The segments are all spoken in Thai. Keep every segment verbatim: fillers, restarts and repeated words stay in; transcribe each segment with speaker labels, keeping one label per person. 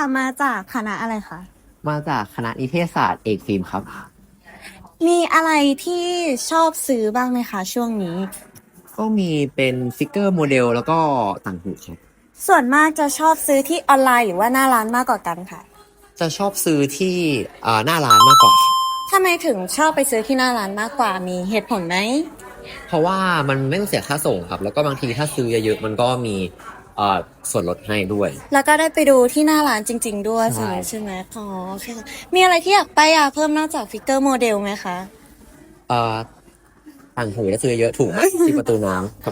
Speaker 1: มาจากคณะอะไรคะ
Speaker 2: มาจากคณะนิเทศศาสตร์เอกฟิล์มครับ
Speaker 1: มีอะไรที่ชอบซื้อบ้างไหมคะช่วงนี้
Speaker 2: ก็มีเป็นฟิกเกอร์โมเดลแล้วก็ต่างหูครับ
Speaker 1: ส่วนมากจะชอบซื้อที่ออนไลน์หรือว่าหน้าร้านมากกว่ากันค่ะ
Speaker 2: จะชอบซื้อที่อ่าหน้าร้านมากกว่า
Speaker 1: ทำไมถึงชอบไปซื้อที่หน้าร้านมากกว่ามีเหตุผลไหม
Speaker 2: เพราะว่ามันไม่ต้องเสียค่าส่งครับแล้วก็บางทีถ้าซื้อเยอะๆมันก็มีอ่าส่วนลดให้ด้วย
Speaker 1: แล้วก็ได้ไปดูที่หน้าร้านจริงๆด้วย
Speaker 2: ใช่
Speaker 1: ใช่ไหมอ๋อโอเคค่ะมีอะไรที่อยากไปอ่ะเพิ่มนอกจากฟิกเกอร์โมเดลไหมคะ
Speaker 2: อ่าต่างหูถ้าซื้อเยอะถูกที่ประตูน้ำครับ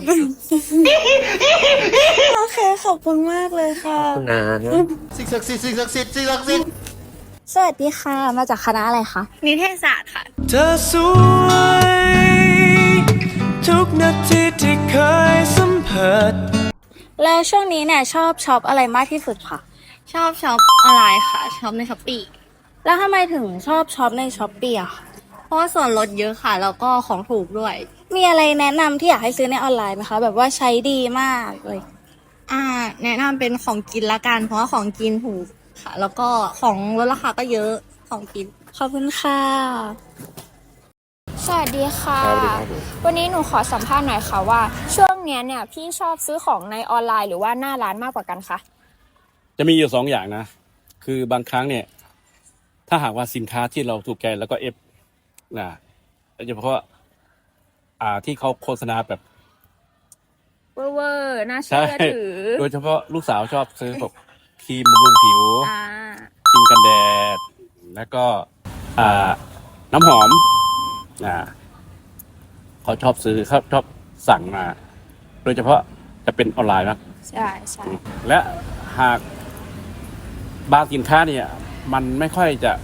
Speaker 1: โอเคขอบคุณมากเลยค่ะ
Speaker 2: ขอบคุณนะ
Speaker 3: สิ่งศักดิ์สิทธิ์สิ่งศักดิ์สิทธิ์สิ่งศักดิ์สิทธิ์
Speaker 1: สวัสดีค่ะมาจากคณะอะไรคะ
Speaker 4: นิเทศศาสตร์ค่ะ
Speaker 3: เธอสวยทุกนาทีที่เคยสัมผัส
Speaker 1: แล้วช่วงนี้เนี่ยชอบช็อปอะไรมากที่สุดคะ
Speaker 4: ชอบช็อปออนไลน์ค่ะช็อปในช้อปปี้
Speaker 1: แล้วทำไมถึงชอบช็อปในช้อปปี้อะคะ
Speaker 4: เพราะว่าส่วนลดเยอะค่ะแล้วก็ของถูกด้วย
Speaker 1: มีอะไรแนะนำที่อยากให้ซื้อในออนไลน์ไหมคะแบบว่าใช้ดีมากเลย
Speaker 4: อ่าแนะนำเป็นของกินละกันเพราะว่าของกินถูกค่ะแล้วก็ของลดราคาก็เยอะของกิน
Speaker 1: ขอบคุณค่ะ
Speaker 5: สวัสดีค่ะวันนี้หนูขอสัมภาษณ์หน่อยค่ะว่าช่วงนี้เนี่ยพี่ชอบซื้อของในออนไลน์หรือว่าหน้าร้านมากกว่ากันคะ
Speaker 6: จะมีอยู่สองอย่างนะคือบางครั้งเนี่ยถ้าหากว่าสินค้าที่เราถูกใจแล้วก็เอฟนะโดยเฉพาะอ่าที่เขาโฆษณาแบบ
Speaker 5: เวอร์เวอร์น่าเชื่อถือ
Speaker 6: โดยเฉพาะลูกสาวชอบซื้อแบบครีมบำรุงผิวครีมกันแดดแล้วก็อ่าน้ำหอมอ่าเขาชอบซื้อเขาชอบสั่งมา โดยเฉพาะจะเป็นออนไลน์มาก
Speaker 5: ใช่ใช่
Speaker 6: และหากบางสินค้าเนี่ยมันไม่ค่อยจะ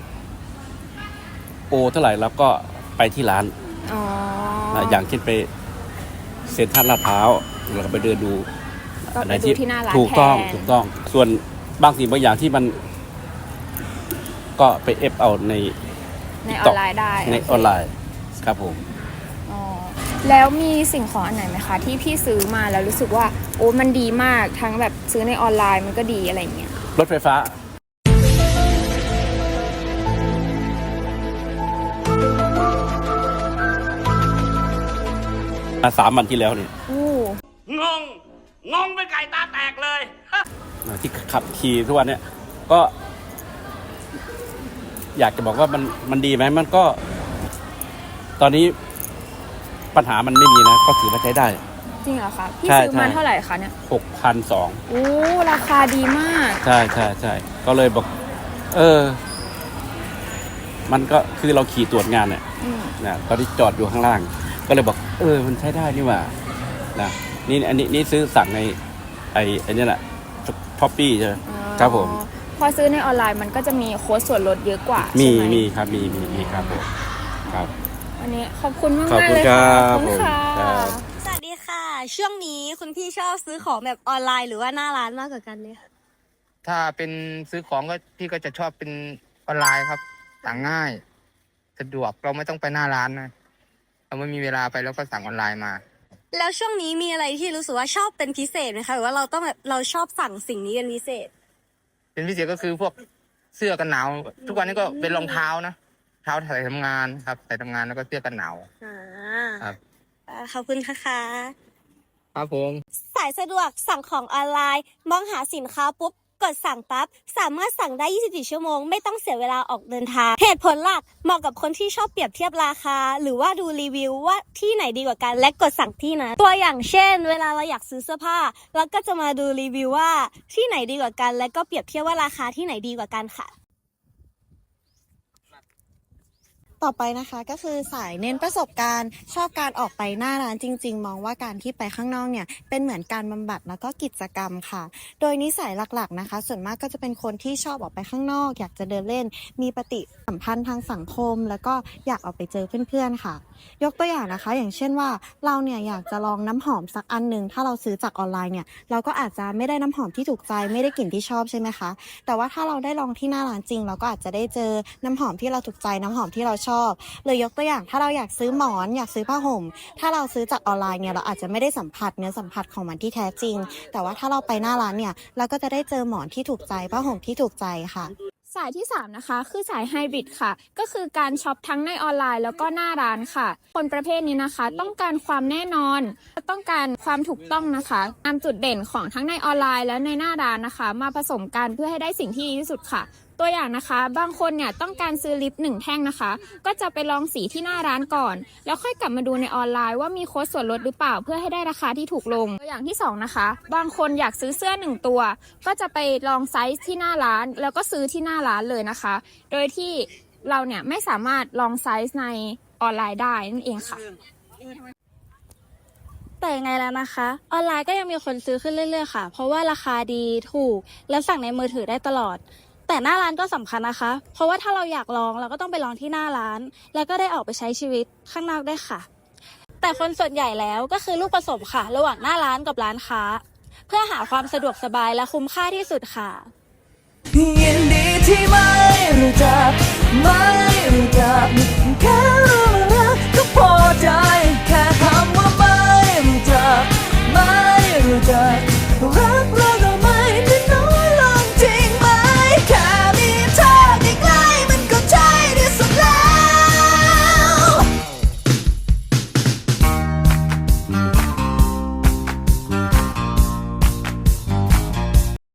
Speaker 6: โอเท่าไหร่แล้วก็ไปที่ร้าน
Speaker 5: อ๋อ
Speaker 6: อย่างเช่นไปเซ็นทรัลลาดพร้าวเราก็ไปเดินดู
Speaker 5: อะไรที่ที่หน้าร้าน
Speaker 6: ถูกต้องถูกต้องส่วนบางสิ่งบางอย่างที่มันก็ไปเอฟเอาใน
Speaker 5: ในออนไลน์ได้
Speaker 6: ในออนไลน์ครับผม
Speaker 5: อ๋อแล้วมีสิ่งของอันไหนไหมคะที่พี่ซื้อมาแล้วรู้สึกว่าโอ้มันดีมากทั้งแบบซื้อในออนไลน์มันก็ดีอะไรเงี้ย
Speaker 6: รถไฟฟ้าสามวันที่แล้วเนี่ย
Speaker 7: งงงงเป็นไก่ตาแตกเลย
Speaker 6: ที่ขับขี่ทุกวันเนี่ยก็อยากจะบอกว่ามันมันดีไหมมันก็ตอนนี้ปัญหามันไม่มีนะก็ถือว่าใช้ได้
Speaker 5: จริงเหรอคะพี่ซื้อมาเท่าไหร่คะเนี่ย
Speaker 6: หกพันสอง
Speaker 5: โอ้ราคาดีมาก
Speaker 6: ใช่ใช่ใช่ก็เลยบอกเออมันก็คือเราขี่ตรวจงานเนี่ยนะตอนที่จอดอยู่ข้างล่างก็เลยบอกเออมันใช้ได้นี่หว่านะนี่อันนี้นี่ซื้อสั่งในไอ้ไอ้นี่แหละช้อปปี้ใช่ไหมครับผม
Speaker 5: พอซื้อในออนไลน์มันก็จะมีโค้ดส่วนลดเยอะกว่า
Speaker 6: มีมีครับมีมีมีครับผมครับ
Speaker 5: วันนี้ขอบคุณมากมากเลยค่ะขอบคุณค่ะ
Speaker 1: สวัสดีค่ะช่วงนี้คุณพี่ชอบซื้อของแบบออนไลน์หรือว่าหน้าร้านมากกว่ากันเลยค่ะ
Speaker 8: ถ้าเป็นซื้อของก็พี่ก็จะชอบเป็นออนไลน์ครับสั่งง่ายสะดวกเราไม่ต้องไปหน้าร้านนะเราไม่มีเวลาไปแล้วก็สั่งออนไลน์มา
Speaker 1: แล้วช่วงนี้มีอะไรที่รู้สึกว่าชอบเป็นพิเศษไหมคะหรือว่าเราต้องแบบเราชอบสั่งสิ่งนี้เป็นพิเศษ
Speaker 8: เป็นพิเศษก็คือพวกเสื้อกันหนาวทุกวันนี้ก็เป็นรองเท้านะเท้าใส่ทำงานครับใส่ทำงานแล้วก็เสื้อกันหนาว
Speaker 1: อ่า
Speaker 8: ครับ
Speaker 1: ขอบคุณค่ะ
Speaker 8: ครับผม
Speaker 1: สายสะดวกสั่งของออนไลน์มองหาสินค้าปุ๊บกดสั่งปั๊บสามารถสั่งได้ยี่สิบสี่ชั่วโมงไม่ต้องเสียเวลาออกเดินทางเหตุผลหลักเหมาะกับคนที่ชอบเปรียบเทียบราคาหรือว่าดูรีวิวว่าที่ไหนดีกว่ากันและกดสั่งที่นั้นตัวอย่างเช่นเวลาเราอยากซื้อเสื้อผ้าเราก็จะมาดูรีวิวว่าที่ไหนดีกว่ากันและก็เปรียบเทียบว่าราคาที่ไหนดีกว่ากันค่ะต่อไปนะคะก็คือสายเน้นประสบการณ์ชอบการออกไปหน้าร้านจริงๆมองว่าการที่ไปข้างนอกเนี่ยเป็นเหมือนการบำบัดแล้วก็กิจกรรมค่ะโดยนิสัยหลักๆนะคะส่วนมากก็จะเป็นคนที่ชอบออกไปข้างนอกอยากจะเดินเล่นมีปฏิสัมพันธ์ทางสังคมแล้วก็อยากออกไปเจอเพื่อนๆค่ะยกตัวอย่างนะคะอย่างเช่นว่าเราเนี่ยอยากจะลองน้ำหอมสักอันนึงถ้าเราซื้อจากออนไลน์เนี่ยเราก็อาจจะไม่ได้น้ำหอมที่ถูกใจไม่ได้กลิ่นที่ชอบใช่ไหมคะแต่ว่าถ้าเราได้ลองที่หน้าร้านจริงเราก็อาจจะได้เจอน้ำหอมที่เราถูกใจน้ำหอมที่เราชชอบหรือยกตัวอย่างถ้าเราอยากซื้อหมอนอยากซื้อผ้าห่มถ้าเราซื้อจากออนไลน์เนี่ยเราอาจจะไม่ได้สัมผัสเนื้อสัมผัสของมันที่แท้จริงแต่ว่าถ้าเราไปหน้าร้านเนี่ยเราก็จะได้เจอหมอนที่ถูกใจผ้าห่มที่ถูกใจค่ะ
Speaker 5: สายที่สามนะคะคือสายไฮบริดค่ะก็คือการช็อปทั้งในออนไลน์แล้วก็หน้าร้านค่ะคนประเภทนี้นะคะต้องการความแน่นอนต้องการความถูกต้องนะคะนำจุดเด่นของทั้งในออนไลน์และในหน้าร้านนะคะมาผสมกันเพื่อให้ได้สิ่งที่ดีที่สุดค่ะตัวอย่างนะคะบางคนเนี่ยต้องการซื้อลิปหนึ่งแท่งนะคะก็จะไปลองสีที่หน้าร้านก่อนแล้วค่อยกลับมาดูในออนไลน์ว่ามีโค้ดส่วนลดหรือเปล่าเพื่อให้ได้ราคาที่ถูกลงตัวอย่างที่สองนะคะบางคนอยากซื้อเสื้อหนึ่งตัวก็จะไปลองไซส์ที่หน้าร้านแล้วก็ซื้อที่หน้าร้านเลยนะคะโดยที่เราเนี่ยไม่สามารถลองไซส์ในออนไลน์ได้นั่นเองค่ะ
Speaker 4: แต่ยังไงแล้วนะคะออนไลน์ก็ยังมีคนซื้อขึ้นเรื่อยๆค่ะเพราะว่าราคาดีถูกและสั่งในมือถือได้ตลอดแต่หน้าร้านก็สำคัญนะคะเพราะว่าถ้าเราอยากลองเราก็ต้องไปลองที่หน้าร้านแล้วก็ได้ออกไปใช้ชีวิตข้างนอกได้วยค่ะแต่คนส่วนใหญ่แล้วก็คือลูกผสมค่ะระหว่างหน้าร้านกับร้านค้าเพื่อหาความสะดวกสบายและคุ้มค่าที่สุดค่ะ
Speaker 3: ยินดีที่ไม่รู้จักไม่รู้จักแค่รู้รักก็พอใจ